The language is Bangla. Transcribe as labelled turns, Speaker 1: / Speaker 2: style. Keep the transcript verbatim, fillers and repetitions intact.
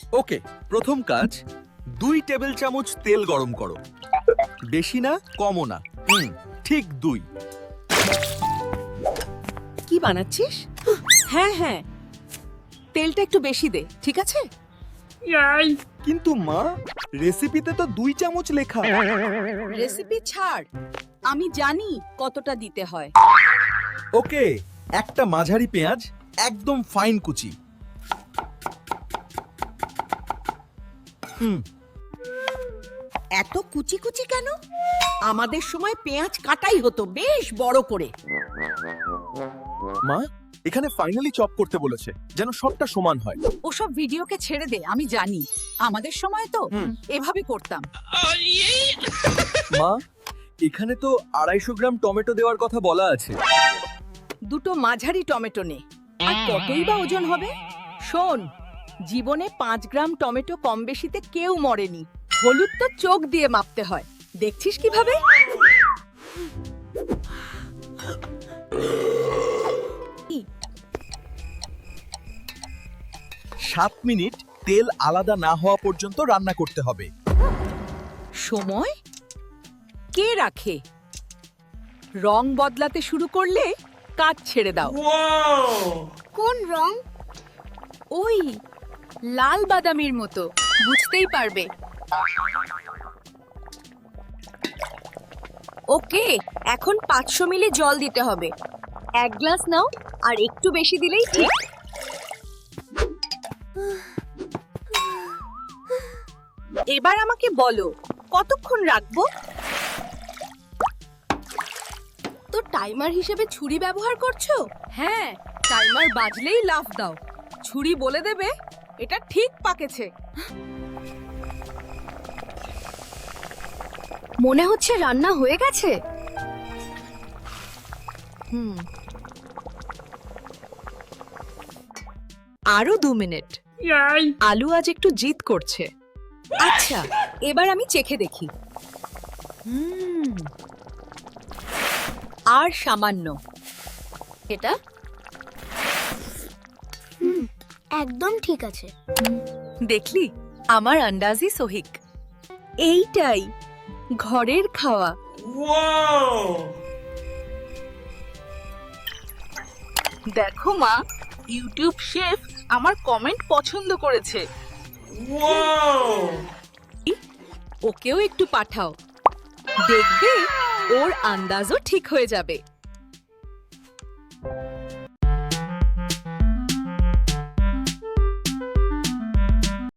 Speaker 1: ওকে, প্রথম কাজ, দুই টেবিল চামচ তেল গরম করো। বেশি না, কমও না। হুম, ঠিক দুই।
Speaker 2: কি বানাচ্ছিস? হ্যাঁ হ্যাঁ, তেলটা একটু বেশি দে, ঠিক আছে?
Speaker 1: কিন্তু মা, রেসিপিতে তো দুই চামচ লেখা।
Speaker 2: রেসিপি ছাড়, আমি জানি কতটা দিতে হয়।
Speaker 1: ওকে, একটা মাঝারি পেঁয়াজ, একদম ফাইন কুচি। হুম,
Speaker 2: এত কুচি কুচি কেন? আমাদের সময় পেঁয়াজ কাটাই হতো বেশ বড় করে।
Speaker 1: মা, এখানে ফাইনালি চপ করতে বলেছে, যেন সবটা সমান হয়।
Speaker 2: ওসব ভিডিওকে ছেড়ে দে, আমি জানি আমাদের সময় তো
Speaker 1: হুম।
Speaker 2: এভাবে করতাম।
Speaker 1: মা, এখানে তো আড়াইশো গ্রাম টমেটো দেওয়ার কথা বলা আছে।
Speaker 2: দুটো মাঝারি টমেটো নে। আর কতই বা ওজন হবে? শোন, জীবনে পাঁচ গ্রাম টমেটো কম বেশিতে কেউ মরেনি। হলুদ তো চোখ দিয়ে মাপতে হয়, দেখছিস কিভাবে?
Speaker 1: সাত মিনিট তেল আলাদা না হওয়া পর্যন্ত রান্না করতে হবে।
Speaker 2: সময় কে রাখে? রং বদলাতে শুরু করলে কাজ ছেড়ে দাও।
Speaker 3: কোন রং?
Speaker 2: ওই লাল বাদামির মতো, বুঝতেই পারবে।
Speaker 3: ওকে, এখন পাঁচশো মিলি জল দিতে হবে। এক গ্লাস নাও, আর একটু বেশি দিলেই ঠিক।
Speaker 2: এবার আমাকে বলো কতক্ষণ রাখবো?
Speaker 3: তো টাইমার হিসেবে ছুরি ব্যবহার করছো?
Speaker 2: হ্যাঁ, টাইমার বাজলেই লাফ দাও। ছুরি বলে দেবে এটা ঠিক পাকেছে।
Speaker 3: মনে হচ্ছে রান্না হয়ে গেছে।
Speaker 2: হুম, আরো দু মিনিট। আলু আজ একটু জিদ করছে। আচ্ছা, এবার আমি চেখে দেখি। হুম, আর সামান্য। এটা
Speaker 3: একদম ঠিক আছে।
Speaker 2: দেখলি, আমার আন্দাজি সহিক। এইটাই ঘরের খাওয়া। দেখো মা, ইউটিউব শেফ আমার কমেন্ট পছন্দ করেছে। ওকেও একটু পাঠাও, দেখবে ওর আন্দাজও ঠিক হয়ে যাবে।